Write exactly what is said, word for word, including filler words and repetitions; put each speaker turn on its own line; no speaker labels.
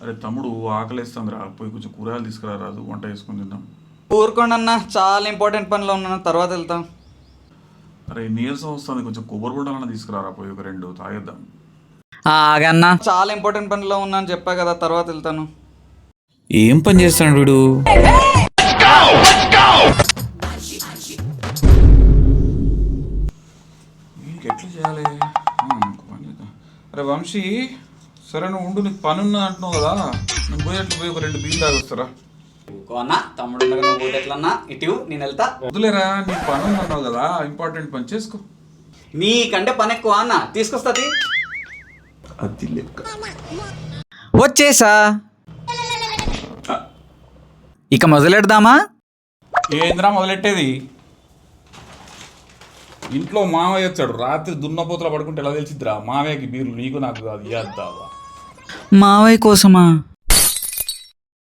అరే తమ్ముడు ఆకలేస్తుంది రా, పోయి కొంచెం కూరగాయలు తీసుకురా రాదు, వంట చేసుకుని తిందాం.
ఊరుకోండి అన్న, చాలా ఇంపార్టెంట్ పనిలో ఉన్నాను, తర్వాత వెళ్తాం.
అరే నీరసం వస్తుంది, కొంచెం కొబ్బరి బొండాలన్నా తీసుకురారా, పోయి ఒక రెండు తాగేద్దాం.
ఆగన్నా, చాలా ఇంపార్టెంట్ పనిలో ఉన్నాను చెప్పా కదా, తర్వాత వెళ్తాను.
ఏం పని చేస్తాడు వీడు?
వీనికి ఎట్లా చేయాలి? ఆ, ఇంకో పని చేద్దాం. అరే వంశీ, సరే నువ్వు ఉండు, నీకు పని ఉన్నది అంటున్నావు కదా, నువ్వు పోయి అట్లా పోయి ఒక రెండు బీలు తాగొస్తారా?
అన్నా తమ్ముడు ఉండగా నువ్వు పోతే ఎట్లన్నా, ఇటు నేను వెళ్తా.
వదిలేరా, నీకు పని ఉంది అన్నావు కదా, ఇంపార్టెంట్ పని చేసుకో.
నీకంటే పని ఎక్కువ అన్న, తీసుకొస్తుంది.
అది లెక్క.
వచ్చేసా, ఇక మొదలెడదామా?
ఏంద్రా మొదలెట్టేది? ఇంట్లో మావయ్య వచ్చాడు, రాత్రి దున్నపోతల పడుకుంటే ఎలా తెలిసిద్దిరా? మావయ్యకి బీర్లు నీకు నాకు కాదు, ఇద్దావా?
మావయ్య కోసమా?